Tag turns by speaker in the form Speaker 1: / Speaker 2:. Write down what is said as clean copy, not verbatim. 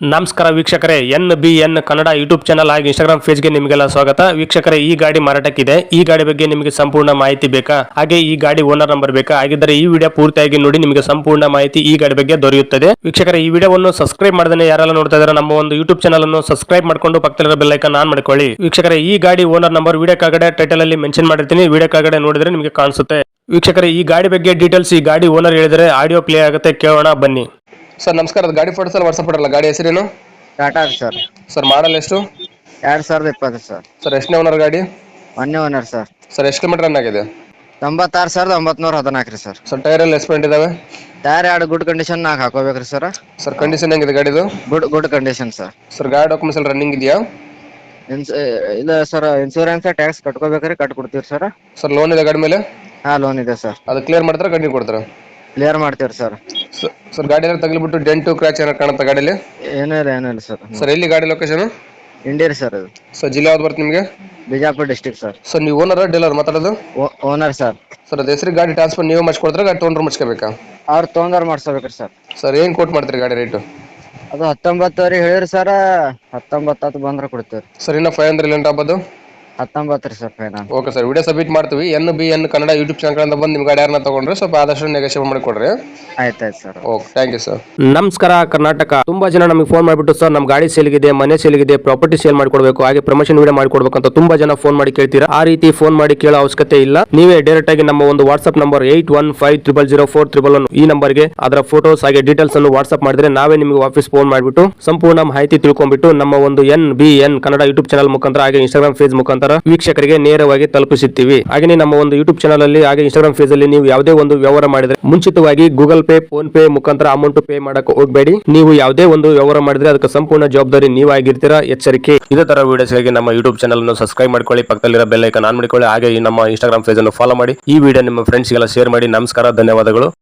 Speaker 1: ನಮಸ್ಕಾರ ವೀಕ್ಷಕರೇ, NBN Kannada YouTube channel ಹಾಗೂ ಇನ್ಸ್ಟಾಗ್ರಾಮ್ ಪೇಜ್ಗೆ ನಿಮಗೆಲ್ಲ ಸ್ವಾಗತ. ವೀಕ್ಷಕರೇ, ಈ ಗಾಡಿ ಮಾರಾಟಕ್ಕಿದೆ. ಈ ಗಾಡಿ ಬಗ್ಗೆ ನಿಮಗೆ ಸಂಪೂರ್ಣ ಮಾಹಿತಿ ಬೇಕಾ? ಹಾಗೆ ಈ ಗಾಡಿ ಓನರ್ ನಂಬರ್ ಬೇಕಾ? ಹಾಗಿದ್ದರೆ ಈ ವಿಡಿಯೋ ಪೂರ್ತಿಯಾಗಿ ನೋಡಿ, ನಿಮಗೆ ಸಂಪೂರ್ಣ ಮಾಹಿತಿ ಈ ಗಾಡಿ ಬಗ್ಗೆ ದೊರೆಯುತ್ತದೆ. ವೀಕ್ಷಕರೇ, ಈ ವಿಡಿಯೋವನ್ನು ಸಬ್ಸ್ಕ್ರೈಬ್ ಮಾಡದೇ ಯಾರೆಲ್ಲ ನೋಡ್ತಾ ಇದ್ದಾರೆ ನಮ್ಮ ಒಂದು ಯೂಟ್ಯೂಬ್ ಚಾನಲ್ ಅನ್ನು ಸಬ್ಸ್ಕ್ರೈಬ್ ಮಾಡ್ಕೊಂಡು ಪಕ್ಕದಲ್ಲಿರೋ ಬೆಲ್ ಐಕಾನ್ ಆನ್ ಮಾಡ್ಕೊಳ್ಳಿ. ವೀಕ್ಷಕರೇ, ಈ ಗಾಡಿ ಓನರ್ ನಂಬರ್ ವಿಡಿಯೋ ಕೆಳಗಡೆ ಟೈಟಲ್ ಅಲ್ಲಿ ಮೆನ್ಷನ್ ಮಾಡಿರ್ತೀನಿ, ವಿಡಿಯೋ ಕೆಳಗಡೆ ನೋಡಿದ್ರೆ ನಿಮಗೆ ಕಾಣಿಸುತ್ತೆ. ವೀಕ್ಷಕರೇ, ಈ ಗಾಡಿ ಬಗ್ಗೆ ಡೀಟೇಲ್ಸ್ ಈ ಗಾಡಿ ಓನರ್ ಹೇಳಿದರೆ ಆಡಿಯೋ ಪ್ಲೇ ಆಗುತ್ತೆ, ಕೇಳೋಣ ಬನ್ನಿ.
Speaker 2: ಸರ್ ನಮಸ್ಕಾರ, ಗಾಡಿ ಫೋಟೋಸ್ ಎಲ್ಲ ವಾಟ್ಸಪ್ ಮಾಡಲ್ಲ. ಗಾಡಿ ಹೆಸರೇನು?
Speaker 3: ಟಾಟಾ ಸರ್.
Speaker 2: ಸರ್ ಮಾಡಲ್ ಎಷ್ಟು?
Speaker 3: 2020 ಸರ್.
Speaker 2: ಸರ್ ಎಷ್ಟನೇ ಓನರ್ ಗಾಡಿ?
Speaker 3: ಮೊನ್ನೆ ಓನರ್ ಸರ್.
Speaker 2: ಸರ್ ಎಷ್ಟು ಕಿಲೋಮೀಟರ್ ರನ್ ಆಗಿದೆ?
Speaker 3: 96,914 ರೀ ಸರ್.
Speaker 2: ಸರ್ ಟೈರ್ ಎಲ್ಲ ಎಸ್ಪೆಂಟ್ ಇದಾವೆ?
Speaker 3: ಟೈರ್ ಎರಡು ಗುಡ್ ಕಂಡೀಷನ್ ನಾಲ್ಕು ಹಾಕೋಬೇಕ್ರಿ ಸರ್.
Speaker 2: ಸರ್ ಕಂಡೀಷನ್ ಹೆಂಗಿದೆ ಗಾಡಿದು?
Speaker 3: Good condition sir.
Speaker 2: ಸರ್ ಗಾಡಿ ಡಾಕ್ಯುಮೆಂಟ್ಸ್ ಎಲ್ಲ ರನ್ನಿಂಗ್ ಇದೆಯಾ?
Speaker 3: ಇಲ್ಲ ಸರ್, ಇನ್ಶೂರೆನ್ಸ್ ಟ್ಯಾಕ್ಸ್ ಕಟ್ಕೋಬೇಕ್ರಿ, ಕೊಡ್ತೀವಿ ಸರ್.
Speaker 2: ಸರ್ ಲೋನ್ ಇದೆ ಗಾಡಿ ಮೇಲೆ?
Speaker 3: ಹಾ, ಲೋನ್ ಇದೆ ಸರ್.
Speaker 2: ಅದು ಕ್ಲಿಯರ್ ಮಾಡ್ತಾರೆ, ಕಂಟಿನ್ಯೂ ಕೊಡ್ತಾರೆ?
Speaker 3: ಕ್ಲಿಯರ್ ಮಾಡ್ತೀವಿ ಸರ್.
Speaker 2: ಸರ್ ಗಾಡಿ ಎಲ್ಲ ತಗಲಿಬಿಟ್ಟು ಡೆಂಟು ಕ್ರ್ಯಾಚ್ ಏನಾರು ಕಾಣುತ್ತಾ ಗಾಡಿಯಲ್ಲಿ?
Speaker 3: ಏನಿಲ್ಲ ಸರ್.
Speaker 2: ಸರ್ ಎಲ್ಲಿ ಗಾಡಿ ಲೊಕೇಶನ್?
Speaker 3: ಇಂಡಿಯರ್ ಸರ್. ಅದು
Speaker 2: ಸರ್ ಜಿಲ್ಲೆ ಯಾವ್ದು ಬರುತ್ತೆ ನಿಮಗೆ?
Speaker 3: Bijapur district sir.
Speaker 2: ಸರ್ ನೀವು ಓನರ್ ಡೀಲರ್ ಮಾತಾಡೋದು?
Speaker 3: Owner sir.
Speaker 2: ಸರ್ ಅದು ಹೆಸರು ಗಾಡಿ ಟ್ರಾನ್ಸ್ಫರ್ ನೀವೇ ಮಾಡಿಸ್ಕೊಡ್ತಾರೆ, ಗಾಡಿ ತೊಗೊಂಡ್ರೆ ಮಾಡಿಸ್ಕೋಬೇಕಾ?
Speaker 3: ಅವ್ರು ತೊಗೊಂಡವ್ರು ಮಾಡ್ಸೋಬೇಕ್ರಿ ಸರ್.
Speaker 2: ಸರ್ ಏನು ಕೋಟ್ ಮಾಡ್ತೀರಿ ಗಾಡಿ ರೇಟು?
Speaker 3: ಅದು 19 ಹೇಳಿರಿ ಸರ್. 19 ಬಂದ್ರೆ ಕೊಡ್ತೀವಿ
Speaker 2: ಸರ್ ಇನ್ನು 500 ಇಲ್ಲ ಆಗ್ಬೋದು?
Speaker 3: 19 ರೀ sir final.
Speaker 2: Okay sir, video submit ಮಾಡ್ತೀವಿ. NBN ಕನ್ನಡ ಯೂಟ್ಯೂಬ್ ಚಾನಲ್ ಬಂದು ನಿಮ್ಮ ಗಾಡಿ ಯಾರನ್ನ ತಗೊಂಡ್ರೆ ಸ್ವಲ್ಪ ಆದಷ್ಟು ನೆಗೋಷಿಯೇಟ್ ಮಾಡಿ ಕೊಡ್ರಿ.
Speaker 3: ಆಯ್ತು ಸರ್.
Speaker 2: Okay, thank you sir.
Speaker 1: ನಮಸ್ಕಾರ ಕರ್ನಾಟಕ. ತುಂಬಾ ಜನ ನಮಗೆ ಫೋನ್ ಮಾಡಿಬಿಟ್ಟು ಸರ್ ನಮ್ಮ ಗಾಡಿ ಸೇಲ್ಗಿದೆ, ಮನೆ ಸೇಲ್ಗಿದೆ, ಪ್ರಾಪರ್ಟಿ ಸೇಲ್ ಮಾಡ್ಕೊಡ್ಬೇಕು, ಹಾಗೆ ಪ್ರಮೋಷನ್ ವಿಡಿಯೋ ಮಾಡ್ಕೊಡ್ಬೇಕು ಅಂತ ತುಂಬಾ ಜನ ಫೋನ್ ಮಾಡಿ ಕೇಳ್ತೀರಾ. ಆ ರೀತಿ ಫೋನ್ ಮಾಡಿ ಕೇಳೋ ಅವಶ್ಯಕತೆ ಇಲ್ಲ. ನೀವೇ ಡೈರೆಕ್ಟ್ ಆಗಿ ನಮ್ಮ ಒಂದು ವಾಟ್ಸ್ಆಪ್ ನಂಬರ್ 81500411 ಈ ನಂಬರ್ಗೆ ಅದರ ಫೋಟೋಸ್ ಹಾಗೆ ಡೀಟೇಲ್ಸ್ ಅನ್ನು ವಾಟ್ಸ್ಆಪ್ ಮಾಡಿದ್ರೆ ನಾವೇ ನಿಮಗೆ ವಾಪಸ್ ಫೋನ್ ಮಾಡಿಬಿಟ್ಟು ಸಂಪೂರ್ಣ ಮಾಹಿತಿ ತಿಳ್ಕೊಂಡ್ಬಿಟ್ಟು ನಮ್ಮ ಒಂದು NBN ಕನ್ನಡ ಯೂಟ್ಯೂಬ್ ಚಾನಲ್ ಮುಖಾಂತರ ಹಾಗೆ ಇನ್ಸ್ಟಾಗ್ರಾಮ್ ಪೇಜ್ ಮುಖಾಂತರ ವೀಕ್ಷಕರಿಗೆ ನೇರವಾಗಿ ತಲುಪಿಸುತ್ತೀವಿ. ಹಾಗೆ ನಮ್ಮ ಒಂದು ಯೂಟ್ಯೂಬ್ ಚಾನಲ್ ಅಲ್ಲಿ ಹಾಗೆ ಇನ್ಸ್ಟಾಗ್ರಾಮ್ ಪೇಜ್ ಅಲ್ಲಿ ನೀವು ಯಾವುದೇ ಒಂದು ವ್ಯವಹಾರ ಮಾಡಿದ್ರೆ ಮುಂಚಿತವಾಗಿ ಗೂಗಲ್ ಪೇ, ಫೋನ್ ಪೇ ಮುಖಾಂತರ ಅಮೌಂಟ್ ಪೇ ಮಾಡಕ್ಕೆ ಹೋಗಬೇಡಿ. ನೀವು ಯಾವುದೇ ಒಂದು ವ್ಯವಹಾರ ಮಾಡಿದ್ರೆ ಅದಕ್ಕೆ ಸಂಪೂರ್ಣ ಜವಾಬ್ದಾರಿ ನೀವಾಗಿರ್ತೀರಾ, ಎಚ್ಚರಿಕೆ. ಇದೇ ತರ ವಿಡಿಯೋಸ್ಗಾಗಿ ನಮ್ಮ ಯೂಟ್ಯೂಬ್ ಚಾನಲ್ ಅನ್ನು ಸಬ್ಸ್ಕ್ರೈಬ್ ಮಾಡ್ಕೊಳ್ಳಿ, ಪಕ್ಕದಲ್ಲಿರೋ ಬೆಲ್ ಐಕಾನ್ ಆನ್ ಮಾಡಿಕೊಳ್ಳಿ, ಹಾಗೆ ನಮ್ಮ ಇನ್ಸ್ಟಾಗ್ರಾಮ್ ಪೇಜ್ ಅನ್ನು ಫಾಲೋ ಮಾಡಿ. ಈ ವಿಡಿಯೋ ನಿಮ್ಮ ಫ್ರೆಂಡ್ಸ್ಗೆಲ್ಲ ಶೇರ್ ಮಾಡಿ. ನಮಸ್ಕಾರ, ಧನ್ಯವಾದಗಳು.